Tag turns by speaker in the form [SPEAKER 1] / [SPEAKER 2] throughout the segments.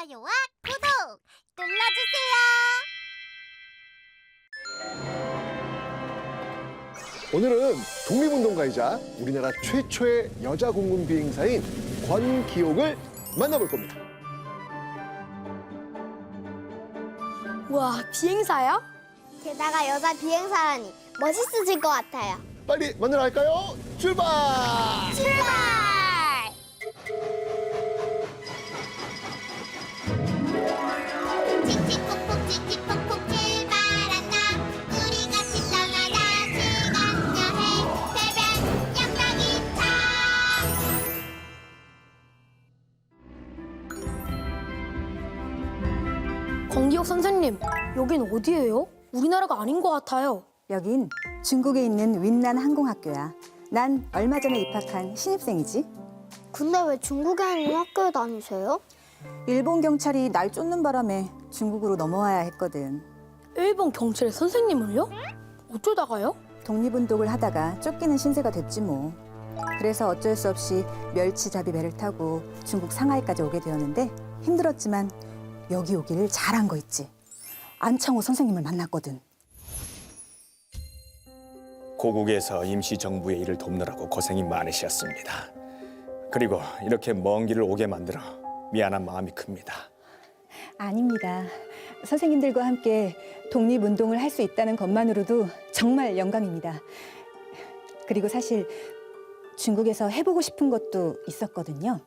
[SPEAKER 1] 좋아요와 구독 눌러주세요.
[SPEAKER 2] 오늘은 독립운동가이자 우리나라 최초의 여자 공군 비행사인 권기옥을 만나볼 겁니다.
[SPEAKER 3] 와, 비행사야?
[SPEAKER 1] 게다가 여자 비행사라니 멋있으실 것 같아요.
[SPEAKER 2] 빨리 만나러 갈까요? 출발!
[SPEAKER 1] 출발! 칙칙폭폭 칙칙폭폭 출발한다. 우리 같이 떠나자 시간 여행 새벽 양락이차.
[SPEAKER 3] 권기옥 선생님, 여긴 어디예요? 우리나라가 아닌 것 같아요.
[SPEAKER 4] 여긴 중국에 있는 윈난 항공학교야. 난 얼마 전에 입학한 신입생이지.
[SPEAKER 1] 근데 왜 중국에 있는 학교에 다니세요?
[SPEAKER 4] 일본 경찰이 날 쫓는 바람에 중국으로 넘어와야 했거든.
[SPEAKER 3] 일본 경찰의 선생님을요? 어쩌다가요?
[SPEAKER 4] 독립운동을 하다가 쫓기는 신세가 됐지 뭐. 그래서 어쩔 수 없이 멸치잡이 배를 타고 중국 상하이까지 오게 되었는데 힘들었지만 여기 오기를 잘한 거 있지. 안창호 선생님을 만났거든.
[SPEAKER 5] 고국에서 임시정부의 일을 돕느라고 고생이 많으셨습니다. 그리고 이렇게 먼 길을 오게 만들어 미안한 마음이 큽니다.
[SPEAKER 4] 아닙니다. 선생님들과 함께 독립운동을 할 수 있다는 것만으로도 정말 영광입니다. 그리고 사실 중국에서 해보고 싶은 것도 있었거든요.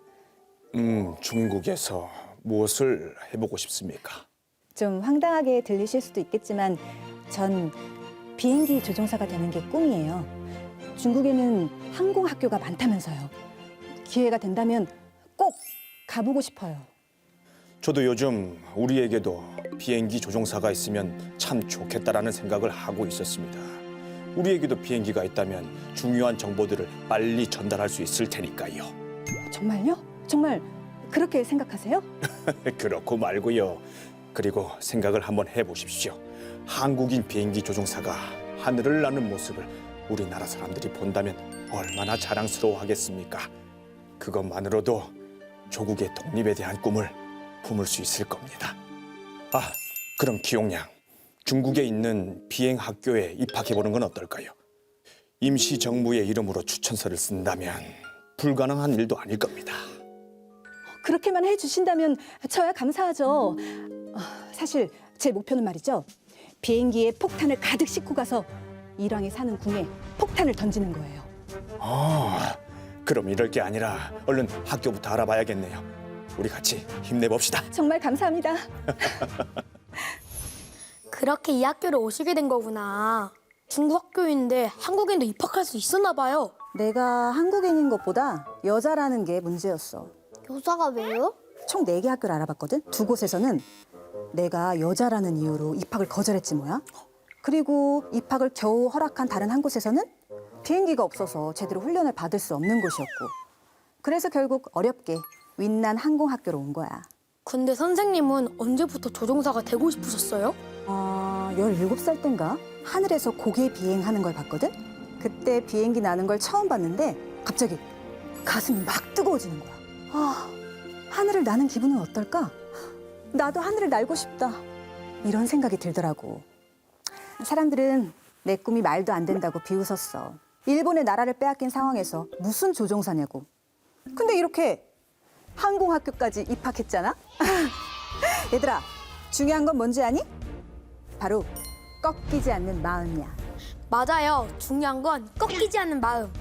[SPEAKER 5] 중국에서 무엇을 해보고 싶습니까?
[SPEAKER 4] 좀 황당하게 들리실 수도 있겠지만 전 비행기 조종사가 되는 게 꿈이에요. 중국에는 항공학교가 많다면서요. 기회가 된다면 꼭 가보고 싶어요.
[SPEAKER 5] 저도 요즘 우리에게도 비행기 조종사가 있으면 참 좋겠다라는 생각을 하고 있었습니다. 우리에게도 비행기가 있다면 중요한 정보들을 빨리 전달할 수 있을 테니까요.
[SPEAKER 4] 정말요? 정말 그렇게 생각하세요?
[SPEAKER 5] 그렇고 말고요. 그리고 생각을 한번 해보십시오. 한국인 비행기 조종사가 하늘을 나는 모습을 우리나라 사람들이 본다면 얼마나 자랑스러워하겠습니까? 그것만으로도 조국의 독립에 대한 꿈을 품을 수 있을 겁니다. 아, 그럼 기옥양, 중국에 있는 비행학교에 입학해보는 건 어떨까요? 임시정부의 이름으로 추천서를 쓴다면 불가능한 일도 아닐 겁니다.
[SPEAKER 4] 그렇게만 해주신다면 저야 감사하죠. 사실 제 목표는 말이죠. 비행기에 폭탄을 가득 싣고 가서 일왕이 사는 궁에 폭탄을 던지는 거예요.
[SPEAKER 5] 그럼 이럴 게 아니라 얼른 학교부터 알아봐야겠네요. 우리 같이 힘내봅시다.
[SPEAKER 4] 정말 감사합니다.
[SPEAKER 3] 그렇게 이 학교를 오시게 된 거구나. 중국 학교인데 한국인도 입학할 수 있었나 봐요.
[SPEAKER 4] 내가 한국인인 것보다 여자라는 게 문제였어.
[SPEAKER 1] 여자가 왜요?
[SPEAKER 4] 총 4개 학교를 알아봤거든. 2곳에서는 내가 여자라는 이유로 입학을 거절했지 뭐야. 그리고 입학을 겨우 허락한 다른 한 곳에서는 비행기가 없어서 제대로 훈련을 받을 수 없는 곳이었고. 그래서 결국 어렵게 윈난 항공학교로 온 거야.
[SPEAKER 3] 근데 선생님은 언제부터 조종사가 되고 싶으셨어요?
[SPEAKER 4] 17살 땐가 하늘에서 고개 비행하는 걸 봤거든. 그때 비행기 나는 걸 처음 봤는데 갑자기 가슴이 막 뜨거워지는 거야. 하늘을 나는 기분은 어떨까? 나도 하늘을 날고 싶다. 이런 생각이 들더라고. 사람들은 내 꿈이 말도 안 된다고 비웃었어. 일본의 나라를 빼앗긴 상황에서 무슨 조종사냐고. 근데 이렇게 항공학교까지 입학했잖아? 얘들아, 중요한 건 뭔지 아니? 바로 꺾이지 않는 마음이야.
[SPEAKER 3] 맞아요. 중요한 건 꺾이지 않는 마음.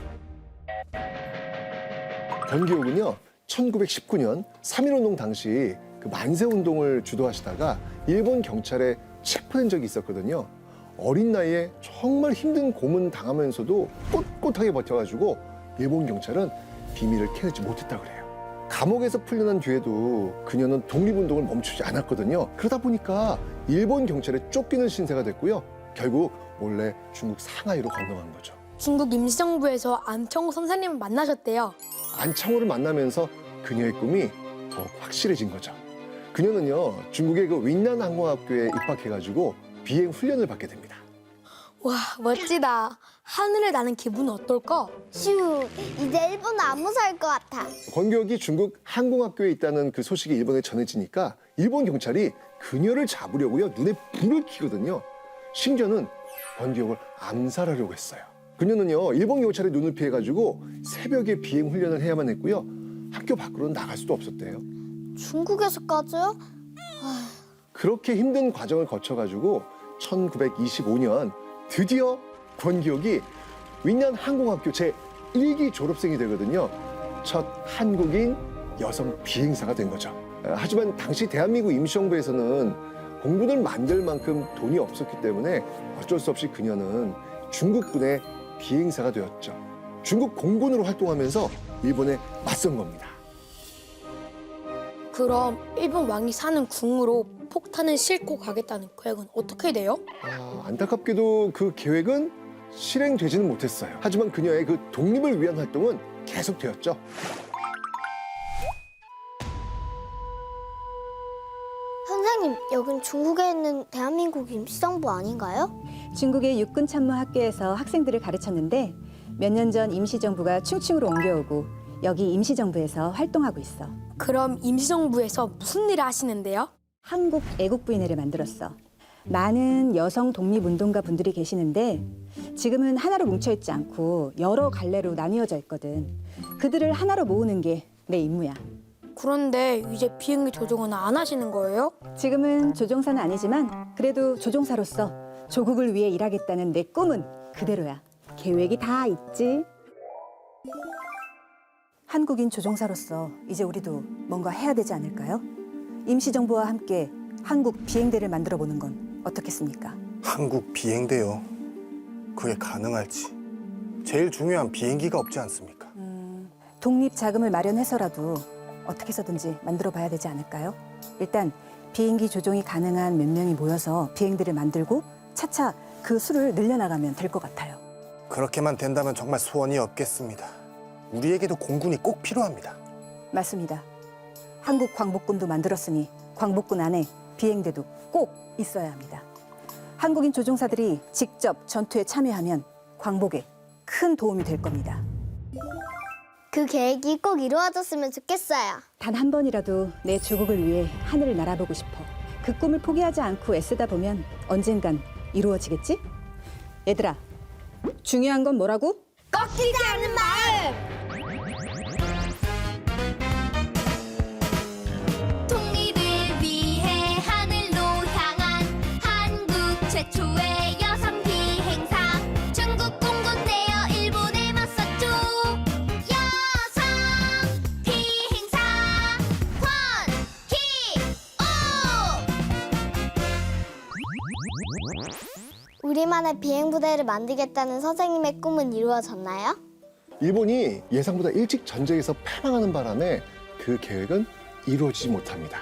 [SPEAKER 2] 권기옥은요, 1919년 3.1운동 당시 그 만세운동을 주도하시다가 일본 경찰에 체포된 적이 있었거든요. 어린 나이에 정말 힘든 고문 당하면서도 꼿꼿하게 버텨가지고 일본 경찰은 비밀을 캐내지 못했다고 그래요. 감옥에서 풀려난 뒤에도 그녀는 독립운동을 멈추지 않았거든요. 그러다 보니까 일본 경찰에 쫓기는 신세가 됐고요. 결국 몰래 중국 상하이로 건너간 거죠.
[SPEAKER 3] 중국 임시정부에서 안창호 선생님을 만나셨대요.
[SPEAKER 2] 안창호를 만나면서 그녀의 꿈이 더욱 확실해진 거죠. 그녀는요, 중국의 그 윈난 항공학교에 입학해가지고 비행 훈련을 받게 됩니다.
[SPEAKER 3] 와, 멋지다. 하늘을 나는 기분은 어떨까?
[SPEAKER 1] 휴, 이제 일본은 안 무서울 것 같아.
[SPEAKER 2] 권기옥이 중국 항공학교에 있다는 그 소식이 일본에 전해지니까 일본 경찰이 그녀를 잡으려고요 눈에 불을 켜거든요. 심지어는 권기옥을 암살하려고 했어요. 그녀는요 일본 경찰의 눈을 피해가지고 새벽에 비행 훈련을 해야만 했고요. 학교 밖으로는 나갈 수도 없었대요.
[SPEAKER 1] 중국에서까지요?
[SPEAKER 2] 그렇게 힘든 과정을 거쳐가지고 1925년 드디어 권기옥이 윈난 항공학교 제1기 졸업생이 되거든요. 첫 한국인 여성 비행사가 된 거죠. 하지만 당시 대한민국 임시정부에서는 공군을 만들 만큼 돈이 없었기 때문에 어쩔 수 없이 그녀는 중국군의 비행사가 되었죠. 중국 공군으로 활동하면서 일본에 맞선 겁니다.
[SPEAKER 3] 그럼 일본 왕이 사는 궁으로 폭탄을 싣고 가겠다는 계획은 어떻게 돼요?
[SPEAKER 2] 안타깝게도 그 계획은 실행되지는 못했어요. 하지만 그녀의 그 독립을 위한 활동은 계속되었죠.
[SPEAKER 1] 선생님, 여긴 중국에 있는 대한민국 임시정부 아닌가요?
[SPEAKER 4] 중국의 육군참모학교에서 학생들을 가르쳤는데 몇 년 전 임시정부가 충칭으로 옮겨오고 여기 임시정부에서 활동하고 있어.
[SPEAKER 3] 그럼 임시정부에서 무슨 일을 하시는데요?
[SPEAKER 4] 한국 애국부인회를 만들었어. 많은 여성 독립운동가 분들이 계시는데 지금은 하나로 뭉쳐있지 않고 여러 갈래로 나뉘어져 있거든. 그들을 하나로 모으는 게 내 임무야.
[SPEAKER 3] 그런데 이제 비행기 조종은 안 하시는 거예요?
[SPEAKER 4] 지금은 조종사는 아니지만 그래도 조종사로서 조국을 위해 일하겠다는 내 꿈은 그대로야. 계획이 다 있지. 한국인 조종사로서 이제 우리도 뭔가 해야 되지 않을까요? 임시정부와 함께 한국 비행대를 만들어 보는 건 어떻겠습니까?
[SPEAKER 6] 한국 비행대요. 그게 가능할지. 제일 중요한 비행기가 없지 않습니까?
[SPEAKER 4] 독립 자금을 마련해서라도 어떻게 해서든지 만들어 봐야 되지 않을까요? 일단 비행기 조종이 가능한 몇 명이 모여서 비행대를 만들고 차차 그 수를 늘려나가면 될 것 같아요.
[SPEAKER 6] 그렇게만 된다면 정말 소원이 없겠습니다. 우리에게도 공군이 꼭 필요합니다.
[SPEAKER 4] 맞습니다. 한국 광복군도 만들었으니 광복군 안에 비행대도 꼭 있어야 합니다. 한국인 조종사들이 직접 전투에 참여하면 광복에 큰 도움이 될 겁니다.
[SPEAKER 1] 그 계획이 꼭 이루어졌으면 좋겠어요.
[SPEAKER 4] 단 한 번이라도 내 조국을 위해 하늘을 날아보고 싶어. 그 꿈을 포기하지 않고 애쓰다 보면 언젠간 이루어지겠지? 얘들아, 중요한 건 뭐라고?
[SPEAKER 1] 꺾이지 않는 마음!
[SPEAKER 7] 독립을 위해 하늘로 향한 한국 최초의 여성 비행사 중국 공군 내어 일본에 맞섰죠. 여성 비행사 권기옥.
[SPEAKER 1] 우리만의 비행부대를 만들겠다는 선생님의 꿈은 이루어졌나요?
[SPEAKER 2] 일본이 예상보다 일찍 전쟁에서 패망하는 바람에 그 계획은 이루어지지 못합니다.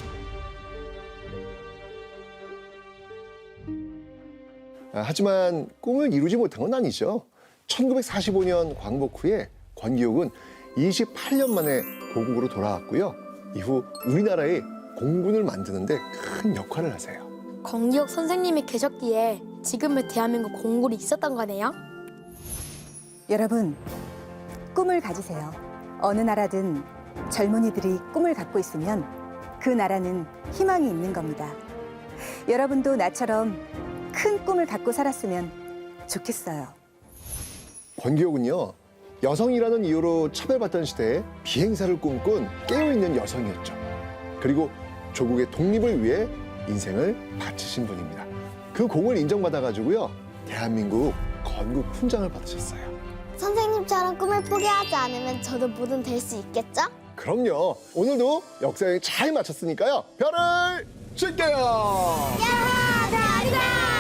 [SPEAKER 2] 하지만 꿈을 이루지 못한 건 아니죠. 1945년 광복 후에 권기옥은 28년 만에 고국으로 돌아왔고요. 이후 우리나라의 공군을 만드는데 큰 역할을 하세요.
[SPEAKER 3] 권기옥 선생님이 계셨기에 지금의 대한민국 공군이 있었던 거네요?
[SPEAKER 4] 여러분, 꿈을 가지세요. 어느 나라든 젊은이들이 꿈을 갖고 있으면 그 나라는 희망이 있는 겁니다. 여러분도 나처럼 큰 꿈을 갖고 살았으면 좋겠어요.
[SPEAKER 2] 권기옥은요, 여성이라는 이유로 차별받던 시대에 비행사를 꿈꾼 깨어있는 여성이었죠. 그리고 조국의 독립을 위해 인생을 바치신 분입니다. 그 공을 인정받아가지고요, 대한민국 건국 훈장을 받으셨어요.
[SPEAKER 1] 선생님처럼 꿈을 포기하지 않으면 저도 뭐든 될 수 있겠죠?
[SPEAKER 2] 그럼요. 오늘도 역사에 잘 마쳤으니까요. 별을 줄게요.
[SPEAKER 1] 야, 대한민국!